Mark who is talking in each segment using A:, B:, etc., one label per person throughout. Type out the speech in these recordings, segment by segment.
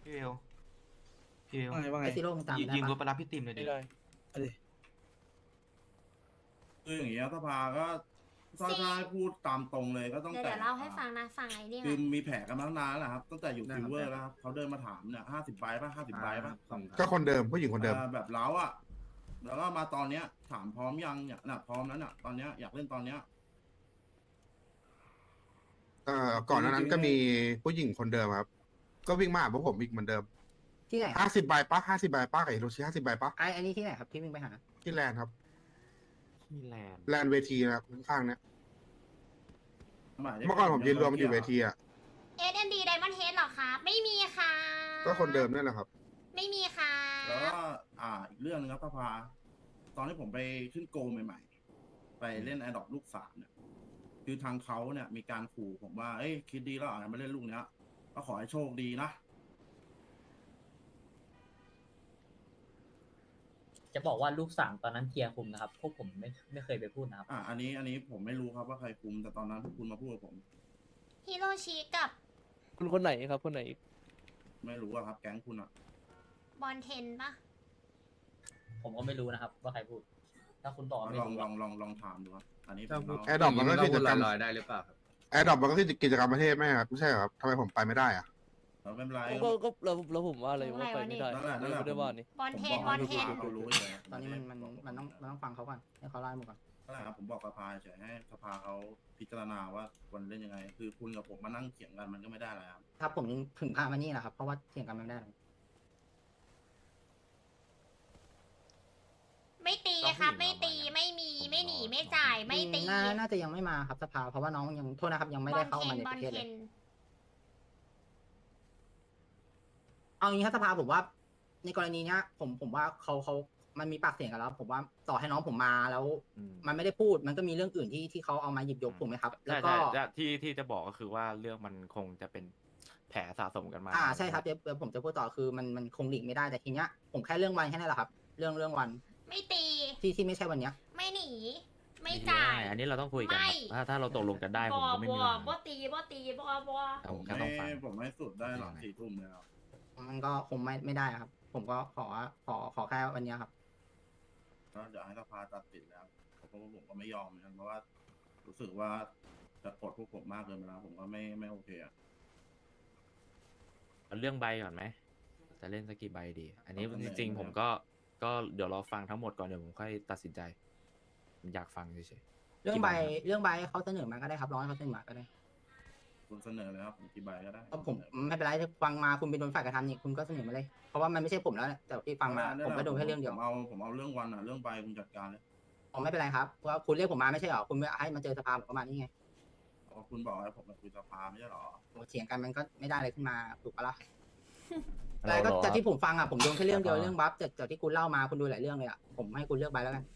A: พี่เวลพี่เวล
B: ไอซีโร่มึงตามได้
A: ยืมรถ
B: ปะ
A: ไปรับพี่ติมเลยดิ
C: ไม่ได้
B: เอาดิ
D: คืออย่างเงี้ยสภาก็ถ้า
E: สิ
D: ถ้าให้พูดตามตรงเลยก็ต้อง
E: เดี๋ยว
D: แต่
E: เล่าให้ฟังนะฟังไอ้นี่
D: คือ
E: ก่อน
D: มีแผลกันมาตั้งนานแล้วครับตั้งแต่อยู่ซิลเวอร์แล้วครับเขาเดินมาถามเนี่ย50 ใบป่ะ50 ใบป่ะ
F: ก็คนเดิมผู้หญิงคนเดิม
D: แบบเล้าอ่ะแล้วก็มาตอนเนี้ยถามพร้อมยังเนี่ยน่ะพร้อมแล้วน่ะตอนเนี้ยอยากเล่นตอนเนี้ย
F: ก่อนหน้านั้นก็มีผู้หญิงคนเดิมครับ ก็วิ่งมาหาพวกผมอีกเหมือนเดิม
B: ที่ไหน
F: 50 ใบป้า50 ใบป้ากับฮิโรชิ50 ใบป้า
B: อันนี้ที่ไหนครับที่มึงไปหา
F: ที่แลนด์ครับ
A: ที่แลนด์
F: แลนด์เวทีนะครับข้างๆเนี้ย
D: หายถึง
F: เมื่อก่อนผมยืนรวมอยู่เวทีอ่ะ
E: SND Diamond Head เหรอครับไม่มีค่ะ
F: ก็คนเดิมนั่นแหละครับ
E: ไม่มีค่ะ
D: แล้วก็อีกเรื่องนึงครับสภาตอนที่ผมไปขึ้นโกลใหม่ๆไปเล่นแอดดอปลูกสามเนี่ยคือทางเขาเนี่ยมีการขู่ผมว่าเอ้ยคิดดีแล้วอาจจะมาเล่นลูกเนี้ยก็ขอให้โชคดีนะ
G: จะบอกว่าลูกสามตอนนั้นเทียร์คุมนะครับ พวกผมไม่เคยไปพูดนะครับ
D: อันนี้ผมไม่รู้ครับว่าใครคุมแต่ตอนนั้นพวกคุณมาพูดกับผม
E: ฮิโรชิกับ
C: คุณคนไหนครับคนไหนอีก
D: ไม่รู้อะครับ แก๊งคุณอะ
E: บอลเทนปะ
G: ผมก็ไม่รู้นะครับ ว่าใครพูด ถ้าคุณบอกว่าไม่
D: ลอง
G: รู้
D: ล
G: อะ
D: องถามดูครับอันนี้ผม
F: แอร์ดรอปมันก็กิจกรรม
H: ลอยๆได้หรือเปล่าครับ
F: แอร์ดรอปมันก็คือกิจกรรมประเทศไหมครับไม่ใช่เหรอครับทำไมผมไปไม่ได้อ่ะ
D: เราไม่เป็นไร
C: ก็แล้วผมว่าอะไรว่าไปไม่ได้
D: นั่นแหละ
C: ไม่ได้ว่านี่
E: บอลเทน
D: ผม
E: บบ อ
D: อก
E: ล
D: ให้
E: เทน
D: เขารู้เลย
B: ตอนนี้มันต้องฟังเขาก่อนให้เขาไล่หมดก่อน
D: นั่นแหละครับผมบอกสภาเฉยให้สภาเขาพิจารณาว่าวันเล่นยังไง คือคุณกับผมมานั่งเถียงกันมันก็ไม่ได้แล้วครับ
B: ถ้าผมถึงพามานี่แหละครับเพราะว่าเถียงกันไม่ได้
E: ไม่ตีครับไม่ตีไม่มีไม่หนีไม่จ่ายไม่ตี
B: น่าจะยังไม่มาครับสภาเพราะว่าน้องยังโทษนะครับยังไม่
E: บอ
B: ได้
E: ล
B: เข้า
E: เท
B: มาน ใน
E: บ
B: ป
E: อล
B: ระเทศ
E: เท
B: เลย
E: น
B: เอางี้ครับสภาผมว่า ในกรณีเนี้ยผมว่าเขามันมีปากเสียงกันแล้ว ผมว่าต่อให้น้องผมมาแล้ว มันไม่ได้พูดมันก็มีเรื่องอื่นที่เขาเอามาหยิบยกถูกไหมครับ แล้วก็
A: ใช่ที่จะบอกก็คือว่าเรื่องมันคงจะเป็นแผลสะสมกันมา
B: ใช่ครับเดี๋ยวผมจะพูดต่อคือมันคงหลีกไม่ได้แต่ทีเนี้ยผมแค่เรื่องวันแค่นั้นแหละครับ เรื่องวัน
E: ไม่ตี
B: ที่ไม่ใช่วันเนี้ย
E: ไม่หนี ไม่จ่าย
A: อันนี้เราต้องคุยกัน
E: ไม่
A: ครับถ้าเราตกลงกันได้ผมก็ไม่มีปัญหา
E: บ่ตีบ่ตีบ่
A: แต่ผมแค่ต้องฟัง
D: ผมให้สุดได้หลัง4 ทุ่มเลยครับ
B: มันก็คงไม่ได้ครับ ผมก็ขอแค่วันเนี้ยครับ
D: ก็เดี๋ยวให้สภาตัดสินแล้วเพราะว่าผมก็ไม่ยอมเหมือนกันเพราะว่ารู้สึกว่าจะกดพวกผมมากเกินไปแล้วผมก็ไม่โอเคอะ
A: เอาเรื่องใบก่อนไหมจะเล่นสักกี่ใบดี อันนี้
D: เอาเสน
A: จ
D: อ
A: ริงๆผมก็เดี๋ยวรอฟังทั้งหมดก่อนเดี๋ยวผมค่อยตัดสินใจผมอยากฟังเฉยๆ
B: เรื่องใบเขาเสนอมาก็ได้ครับร้อยเขาเสนอมาก็ได้
D: คุณเสนอเลยครับผมกี่ใบก็ได้
B: เพราะผมไม่เป็นไรถ้าฟังมาคุณเป็นโดนฝ่ายกระทำนี่คุณก็เสนอมาเลย เพราะว่ามันไม่ใช่ผมแล้วแต่ที่ฟังมาผมก็โดนแค่เรื่องเดียว
D: ผมเอาเรื่องวันอะเรื่องใบคุณจัดการเลย
B: ผมไม่เป็นไรครับเพราะว่าคุณเรียกผมมาไม่ใช่หรอคุณไม่ให้มาเจอสภาผมประมาณนี้ไง
D: เพราะคุณบอกให้ผมมาคุยสภาไม่ใช่หรอ
B: ผมเถียงกันมันก็ไม่ได้อะไรขึ้นมาถูกปะล่ะแต่ก็จากที่ผมฟังอ่ะผมโดนแค่เรื่องเดียวเรื่องบัฟจากที่คุณเล่ามาคุณดูหลายเรื่องเลยอ่ะผมให้คุณเลือกใบแล้วกัน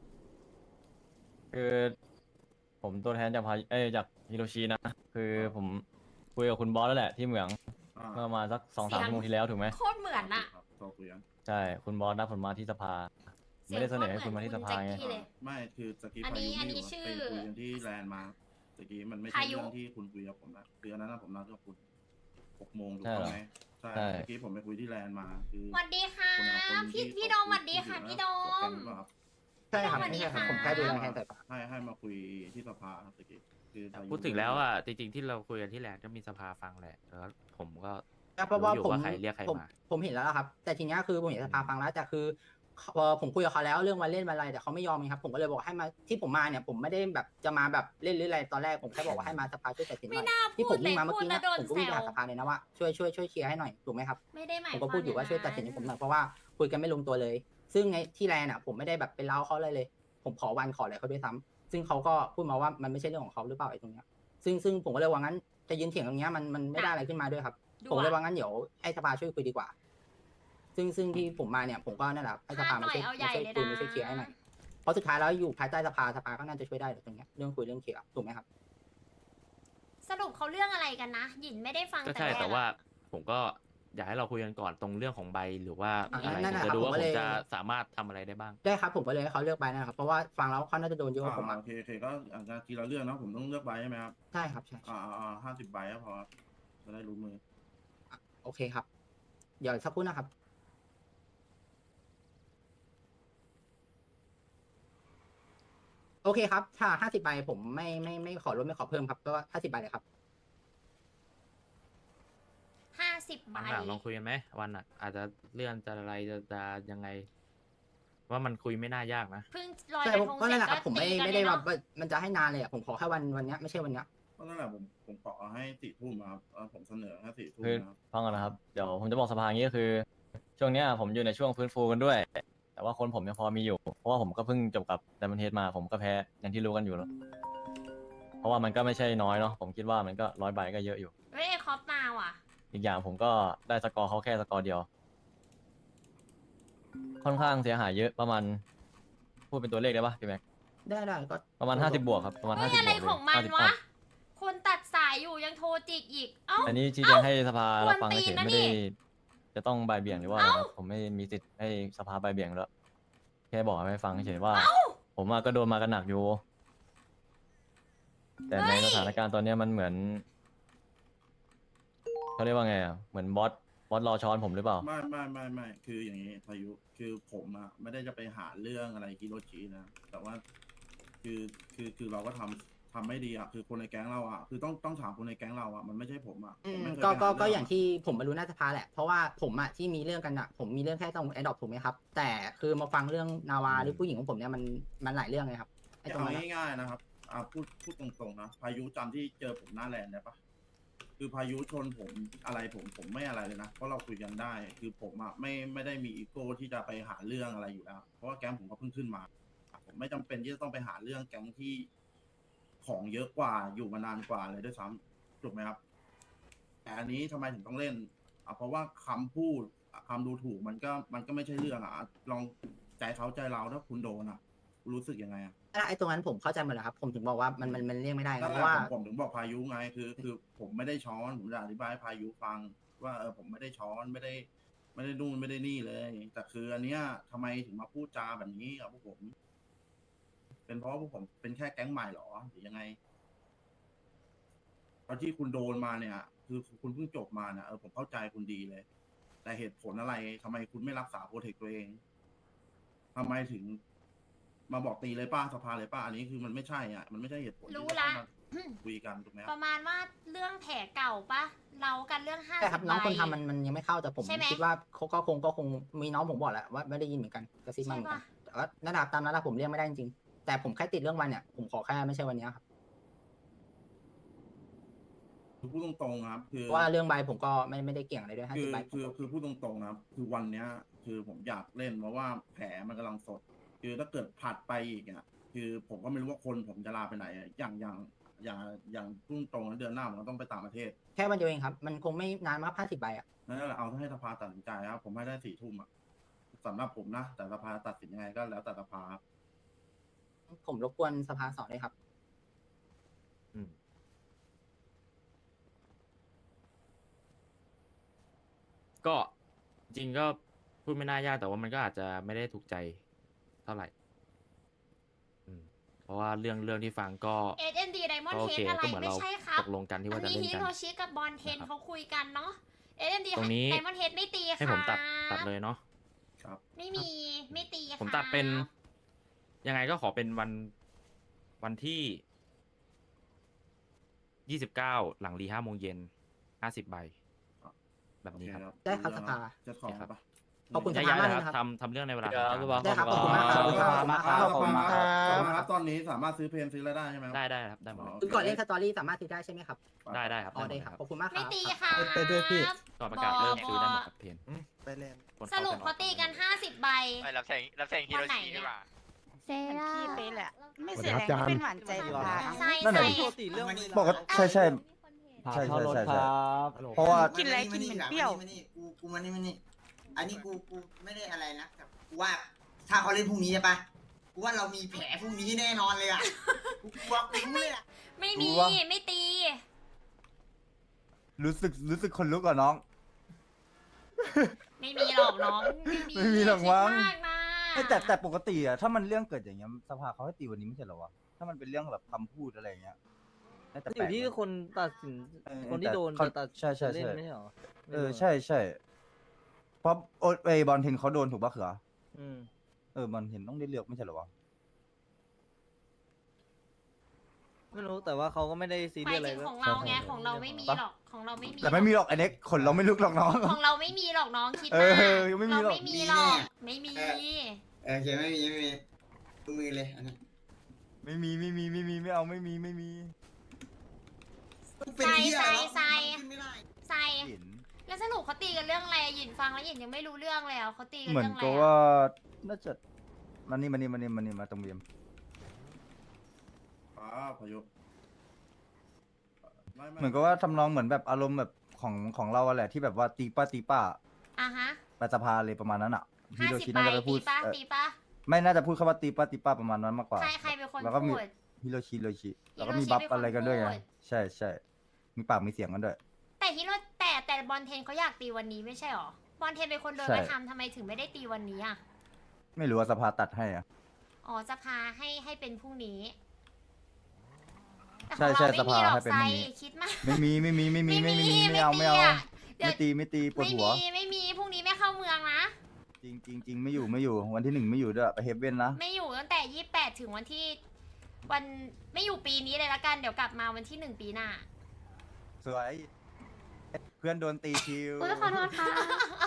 I: คือผมตัวแทนจากจากฮิโรชินะ คือผมคุยกับคุณบอสแล้วแหละที่เหมืองเมื่อประมาณสัก2-3 ชั่วโมงที่แล้วถูกไหม
E: โคตรเหมือนอะ
D: ครับโทรคุยกัน
I: ใช่คุณบอสนัดผมมาที่สภา ไม่ได้เสนอให้คุณมาที่สภาไง
E: เสียงโคตรเหมือนคุณแจ็คกี้เลย
D: ไม่คือสกี
E: อันนี้
D: พายุ
E: อันนี้
D: ไม่
E: ชื่อ
D: ไปคุยกันที่แลนด์มาสกีมันไม่ใช่
E: พายุ
D: เรื่องที่คุณคุยกับผมนะคืออันนั้นนะผมนัดกับคุณ6 โมงถูก
I: ใช่
D: ต้อ
I: เหรอ
D: งไหมใช่
I: ใช่
D: เมื่อกี้ผมไปคุยที่แลนด์มาคือ
E: สวัสดีค่ะ
D: คนละคน
E: พี่
D: ที่
E: พี่โดมสวัสดีค่ะพี่โดม
B: ใช่ครับ
E: สวัสดี
B: ไม่ใช่ครับ
E: ค่ะ
B: ผมแค่ดูแลแทนแต่
D: ให้มาคุยที่สภาครับสกีคือพายุ
A: พูดถึงแล้วอ่ะจริงๆที่เราคุยกันที่แลนด์ก็มีสภาฟังแหละแล้วผมก็
B: เพราะว่า
A: รู้อยู่
B: ผม
A: ว่าใครเรียกใครมา
B: ผมเห็นแล้วครับ แต่ทีเนี้ยคือผมเห็นสภาฟังแล้วแต่คือผมคุยกับเขาแล้วเรื่องวันเล่นวันอะไรแต่เขาไม่ยอมไงครับผมก็เลยบอกให้มาที่ผมมาเนี่ยผมไม่ได้แบบจะมาแบบเล่นหรืออะไรตอนแรกผมแค่บอกว่าให้มาสภาช่วยตัดสินห
E: ไม่
B: น่อย
E: น่า
B: ที่
E: พู
B: ผ
E: ด
B: ม
E: เล
B: วิ่
E: ย
B: งมาเมื่อ
E: พูด
B: กี้
E: แล้
B: เนี่
E: วย โดน
B: ผมก็
E: แซ
B: วิ่งไป
E: ว
B: หาสภาเลยนะว่าช่วยเคลียร์ให้หน่อยถูกไหมครับ
E: ไม่ได้หมาย
B: ผมก็พูดอยู่ว่าช่วยตัดสินให้ผมหน่อยเพราะว่าคุยกันไม่ลงตัวเลย ซึ่งในที่แลนด์อ่ะผมไม่ได้แบบไปเล่าเขาเลย ผมขอวันขออะไรเขาด้วยซ้ำซึ่งเขาก็พูดมาว่ามันไม่ใช่เรื่องของเขาหรือเปล่าไอ้ตรงเนี้ยซึ่งผมก็เลยว่างั้นจะยืนเถียงตรงเนี้ยมันไม่ได้อะไรขึ้นมาด้วยครับ ผมเลยว่างั้นเดี๋ยวให้สภาช่วยคุยดีกว่า ซึ่งที่ผมมาเนี่ยผมก็นั่นแหละให้สภามาช่วยคุยมาช่วยเคลียร์ให้หน่อยเพราะสุดท้ายแล้วอยู่ภายใต้สภาก็น่าจะช่วยได้ตรงเนี้ยเรื่องคุยเรื่องเคลียร์ถูกไหมครับ
E: สรุปเขาเรื่องอะไรกันนะ หยินไม่ได้ฟัง
A: ก็
E: แต่
A: ใช่
E: แรก
A: แต่ว่าผมก็อยากให้เราคุยกันก่อนตรงเรื่องของใบหรือว่า
B: อ่ะ
A: อะไร
B: นั่น
A: ผม
B: น่ะ
A: จะดูว่า
B: ผมก็
A: ผ
B: เล
A: ม
B: ย
A: จะสามารถทำอะไรได้บ้าง
B: ได้ครับผมก็เลยให้เขาเลือกใบนะครับเพราะว่าฟังแล้วเขาน่าจะโดนเยอะกว่าผมอ่ะ
D: โอเคก็อาจจะทีละเรื่องนะผมต้องเลือกใบใช่ไหมครับ
B: ใช่ครับใช่
D: 50 ใบก็พอจะได้รู้มือ
B: โอเคครับเดี๋ยวสักครู่นะครับ โอเคครับ ถ้า50 ใบผมไม่ขอลดไม่ขอเพิ่มครับก็50 ใบเลยครับ
E: 50 ใบ
A: วันหลังลองคุยกันไหมวันอ่ะ อาจจะเลื่อนจะอะไรจะยังไง ว่ามันคุยไม่น่ายากนะ
E: เพิ่งลอย
B: ใช่
E: กระ
B: ผม
E: ทง
B: ก็
E: เสร็
B: นั่
E: จ
B: นแหละค
E: ก็
B: รับผม
E: ตีกัน
B: ไม่
E: เล
B: ได้
E: ย
B: แบ
E: เนาะ
B: บว่ามันจะให้นานเลยอ่ะผมขอแค่วันเนี้ยไม่ใช่วันเนี้ย
D: เพราะนั่นแหละผมขอให้4 ทุ่มครับผมเสนอแค่4 ทุ่ม
I: คือ
D: นะครับ
I: ฟังก่อนนะครับ เดี๋ยวผมจะบอกสภาอย่างนี้ก็คือ ช่วงเนี้ยผมอยู่ในช่วงฟื้นฟูกันด้วย แต่ว่าคนผมยังพอมีอยู่ เพราะว่าผมก็เพิ่งจบกับไดมอนเฮดมา ผมก็แพ้อย่างที่รู้กันอยู่แล้ว เพราะว่ามันก็ไม่ใช่น้อยเนาะ ผมคิดว่ามันก็100 ใบก็เยอะอยู่
E: เฮ้ยไอ้คอปมาว่ะ
I: อีกอย่างผมก็ได้สกอร์เขาแค่สกอร์เดียว ค่อนข้างเสียหายเยอะประมาณ พูดเป็นตัวเลขได้ปะพี่แม็ก
B: ได้ก็
I: ประมาณ50 บวกครับ ประมาณ
E: เฮ้ย
I: 50 บวก
E: อะไร
I: เลย
E: ของมัน
I: 50
E: วะ
I: อัพ
E: คนตัดสายอยู่ยังโทรจิกอีก เอ้า
I: อันนี้ชี้แจงให้สภาเราฟัง
E: กวนตี
I: เฉ
E: น
I: ย
E: นะ
I: ๆไม่
E: นี่
I: ได้จะต้องบ่ายเบี่ยงหรือว่าอะไรครับผมไม่มีสิทธิ์ให้สภาบ่ายเบี่ยงแล้วแค่บอกให้ฟังเฉยๆว่า ผมก็โดนมากันหนักอยู่ แต่ในสถานการณ์ตอนเนี้ยมันเหมือนเขาเรียกว่าไงอ่ะเหมือนบอสรอช้อนผมหรือเปล่า
D: ไม่คืออย่างนี้พายุคือผมอะไม่ได้จะไปหาเรื่องอะไรฮิโรชินะแต่ว่าคือเราก็ทำไม่ดีอะคือคนในแก๊งเราอะคือต้องถามคนในแก๊งเราอะมันไม่ใช่ผมอะผมไม่เคย
B: ก็
D: ไปห
B: ก็
D: เรื่
B: ก็อย่างที่ผมมารู้หน้าสภาแหละ เพราะว่าผมอะที่มีเรื่องกันอะผมมีเรื่องแค่ตรงแอดดอปถูกไหมครับ แต่คือมาฟังเรื่องนาวาหรือผู้หญิงของผมเนี่ยมันหลายเรื่องเลยครับไอ้ตรง
D: เอา
B: นั้นอะ
D: ง่ายๆนะครับพูดตรงๆนะพายุจำที่เจอผมหน้าแลนด์ได้ปะคือพายุชนผมอะไรผมไม่อะไรเลยนะเพราะเราคุยกันได้ คือผมอะไม่ได้มีอีโก้ที่จะไปหาเรื่องอะไรอยู่แล้ว เพราะว่าแก๊งผมก็เพิ่งขึ้นมา ผมไม่จำเป็นที่จะต้องไปหาเรื่องแก๊งที่ของเยอะกว่าอยู่มานานกว่าเลยด้วยซ้ำถูกไหมครับ แต่อันนี้ทำไมถึงต้องเล่นเพราะว่าคำพูดคำดูถูกมันก็ไม่ใช่เรื่องลองใจเขาใจเราถ้าคุณโดนรู้สึกยังไง
B: ไอ้ตรงนั้นผมเข้าใจหมดแล้วครับ ผมถึงบอกว่ามันเรียกไม่ได้
D: นั่
B: นะ
D: น
B: เพ
D: แหละ
B: ราะว่า
D: ผมถึงบอกพายุไงคือผมไม่ได้ช้อนผมจะอธิบายให้พายุฟังว่าผมไม่ได้ช้อนไม่ได้นู่นไม่ได้นี่เลย แต่คืออันเนี้ยทำไมถึงมาพูดจาแบบนี้กับพวกผม เป็นเพราะว่าพวกผมเป็นแค่แก๊งใหม่หรอหรือยังไงตอนที่คุณโดนมาเนี่ย คือคุณเพิ่งจบมาเนี่ยผมเข้าใจคุณดีเลย แต่เหตุผลอะไรทำไมคุณไม่รักษาโปรเทคตัวเองทำไมถึง มาบอกตีเลยป้าสภาเลยป้าอันนี้คือมันไม่ใช่มันไม่ใช่เหตุผลที่
E: รู้
D: จะ
E: ละ
D: ต้องมาคุยกันถูกไหมค
E: ป
D: รับ
E: ระมาณว่าเรื่องแผลเก่าปะเรากันเรื่อง50
B: ใช่ครับน้องคน
E: ใบ
B: ทำมันยังไม่เข้าแต่ผม
E: ใช่ไหม
B: คิดว่าเขาก็คงมีน้องผมบอกแหละว่าไม่ได้ยินเหมือนกันกระซิบมาเหมือนกัน
E: ใช่ปะ
B: แต่ว่านั่นแหละตามนั้นแหละผมเรียกไม่ได้จริงๆแต่ผมแค่ติดเรื่องวันเนี่ยผมขอแค่ไม่ใช่วันเนี้ยครับ
D: คือพูดตรงๆนะครับคือ
B: เพราะว่าเรื่องใบผมก็ไม่ได้เก่งอะไรด้วย50 ใบผมก็
D: คือพูดตรงๆนะครับ คือวันเนี้ย คือผมอยากเล่นเพราะว่าแผลมันกำลังสด คือถ้าเกิดผัดไปอีกคือผมก็ไม่รู้ว่าคนผมจะลาไปไหนอย่างพูดตรงๆนะเดือนหน้าผมก็ต้องไปต่างประเทศ
B: แค่วันเดียวเองครับ มันคงไม่นานมาก50 ใบอ่ะ
D: นั่นแหละเอาให้สภาตัดสินใจครับ ผมให้ได้4 ทุ่มสำหรับผมนะ แต่สภาตัดสินยังไงก็แล้วแต่สภาครับ
B: ผมรบกวนสภาสอนด้วยครับ
A: อืมก็จริงก็พูดไม่น่ายากแต่ว่ามันก็อาจจะไม่ได้ถูกใจเท่าไหร่ เพราะว่าเรื่องที่ฟังก็
E: SND Diamond
A: ก็โอ
E: Head
A: เค
E: อะไร
A: ก็เหมือน
E: ไม่
A: เรา
E: ใช่ครับ
A: ตกลงกันที่
E: อั
A: ว่าน จะ
E: นี้
A: เล่น
E: ฮิ
A: กัน
E: โรชิกับบอลเทน
A: นะครับ
E: เขาคุยกันเนาะ SND
A: ตรงนี้
E: Diamond Head ไม่ตีค่ะ
A: ให้ผมตัดเลยเนาะ
D: ครับ
E: ไม่มีไม่ตีค่ะ
A: ผมตัดเป็นยังไงก็ขอเป็นวันที่29หลังรี5 โมงเย็น50 ใบ แบบนี้ครับ
B: ได้ครับสภา
D: จะขอปะ
B: ขอบคุณ
A: ย้ายๆเลย
B: มาก
A: ค
B: เลย
A: รับ
B: นะครับ
A: ทำเรื่องในเวลา
C: เดี๋ยว
A: ทำ
C: สภา
A: การ
B: ได้ครับขอบคุณมากครับขอบคุณมากครับ
D: ขอบคุณมากครับตอนนี้สามารถซื้อเพลงซื้ออะไรได้ใช่ไหมครับ
A: ได้ครับได้หมดเลย
B: คือก่อนเล่นสตอรี่สามารถซื้อได้ใช่ไหมครับ
A: ได้ครับ
B: อ๋อได้
A: หม
B: ครับ
A: เลย
B: ขอบคุณมากค
E: ไม่
B: รับ
E: ตีค่ะ
H: ไปด้วยพี่
A: ก่อนประกาศเริ่มซื้อได้หมดครับเพน
H: ไปเล่น
A: คน
E: ส
A: เข้า
E: รุป
A: กันอ
E: เขา
A: อก
E: ตีกัน50 ใบ
J: ไม่รับแทงฮิโรชิดีกว่า
K: เซร่า
L: พี่เป๊ะแหละ ไม่
H: สวัส
L: เสี
H: ดี
L: ย
H: ครับ
L: แรง
H: อาจารย์
L: เป็นหวานใจสภา
E: ใช่
H: นั่น
E: ใช่
H: แหละ
C: ปกติเรื่อง
H: บอกว่าใช่ใช่
I: พา
H: ใช่
I: เข้ารถ
H: ใช่
I: ค
H: ใช่
I: รับ
H: เพราะว่า
L: กินอะไรกินเหม็นเปรี้ยว
J: กูมานี่อันนี้กูไม่ได้อะไรนะแต่กูว่าถ้าเขาเล่นพรุ่งนี้ใช่ปะกูว่าเรามีแผลพรุ่งนี้แน่นอนเลยอ่ะกูบอกกูเลยอ่ะ
E: ไม่มี
H: รู้ว่า
E: ไม่ตี
H: รู้สึกคนลุกอ่ะน้อง
E: ไม่มีหรอกน้อง
H: ไม่มีหรอกมั้ง
E: คิดมากนะ
H: แต่ปกติอ่ะถ้ามันเรื่องเกิดอย่างเงี้ยสภาเขาให้ตีวันนี้ไม่ใช่เหรอวะถ้ามันเป็นเรื่องแบบคำพูดอะไรอย่างเงี้ยน่าจะ
C: อ
H: แปล
C: ยู่
H: ก
C: ที่
H: นะ
C: คนตัดสิน
H: เออ
C: คนที่โดน
H: แต่เขา
C: จะตัด
H: ใช่
C: เล่นไม่ใช่เหรอ
H: ใช่เพราะบอลเทนเขาโดนถูกปะเขือ บอลเทนต้องได้เลือกไม่ใช่เหรอวะ
C: ไม่รู้แต่ว่าเขาก็ไม่ได้ซี
E: ห
C: เรี
E: มาย ย
C: สอะไร
E: ถึง
C: ด้วย
E: ของเราไงของเราไม่มีหรอกของเราไม่มี
H: แต่ไม่มีหรอกไอเน็กขนเราไม่ลุกหรอกน้อง
E: ของเราไม่มีหรอกน้องคิด
H: เอ
E: มา
H: อยังไม่มีหรอก
E: เราไม่มีหรอกไม่มี
J: โอเคไม่มีดูมือเลยอันนี้
H: ไม่มีไม่เอาไม่มี
J: เป็นเหี้ยแล้ว
E: ใส่
J: ขึ้นไม่ได้
E: ใส่
H: เห็น
E: แล้วสรุปเขาตีกันเรื่องอะไรหยินฟังแล้วหยินยังไม่รู้เรื่องเลยอ่ะเขาตีกัน
H: เหมือน
E: เรื่องอะไร
H: กับ
E: อะ
H: ว่าน่าจะมานี่มาตรงเบียม
D: พายุ
H: เหมือนกับว่าทำนองเหมือนแบบอารมณ์แบบของเราอะแหละที่แบบว่าตีป้า
E: อ่ะฮะ
H: ไปสภาเลยประมาณนั้นอ่ะฮิ
E: 50
H: โรชิ
E: ใบ
H: น่าจะไปพู
E: ตี
H: ด
E: ปะตีปะ
H: ไม่น่าจะพูดคำว่าตีป้าประมาณนั้นมากกว่า
E: ใครเป็นคน
H: แล้วก็มี
E: พูด
H: ฮิโรชิแล้วก็
E: ฮิโรชิ
H: มีบัฟ
E: เป็นคน
H: อะไรกันด้วยไง
E: พูด
H: ใช่มีปากมีเสียงกันด้วย
E: แต่ฮิโร่แต่บอลเทนเขาอยากตีวันนี้ไม่ใช่หรอบอลเทนเป็นคนเดิน
H: ใช่
E: ไปทำทำไมถึงไม่ได้ตีวันนี้อ่ะ
H: ไม่รู้ว่าสภาตัดให้อ่ะ
E: อ๋อสภาให้เป็นพรุ่งนี้แต่
H: ใช่
E: ของ
H: ใช่
E: เราไม่มีหรอก
H: สภาให้เป็น
E: ไซ
H: พรุ่งนี้
E: คิดมาก
H: ไม่เอา
E: เดี๋ยว
H: ไม่ตีปวดหัว
E: ไม่มีพรุ่งนี้ไม่เข้าเมืองนะ
H: จริงไม่อยู่วันที่1ไม่อยู่ด้วยไปเฮฟเว่นนะ
E: ไม่อยู่ตั้งแต่28ถึงวันที่วันไม่อยู่ปีนี้เลยละกันเดี๋ยวกลับมาวันที่1ปีหน้า
H: สวย เพื่อนโดนตีคิว
E: ขอโทษค่ะ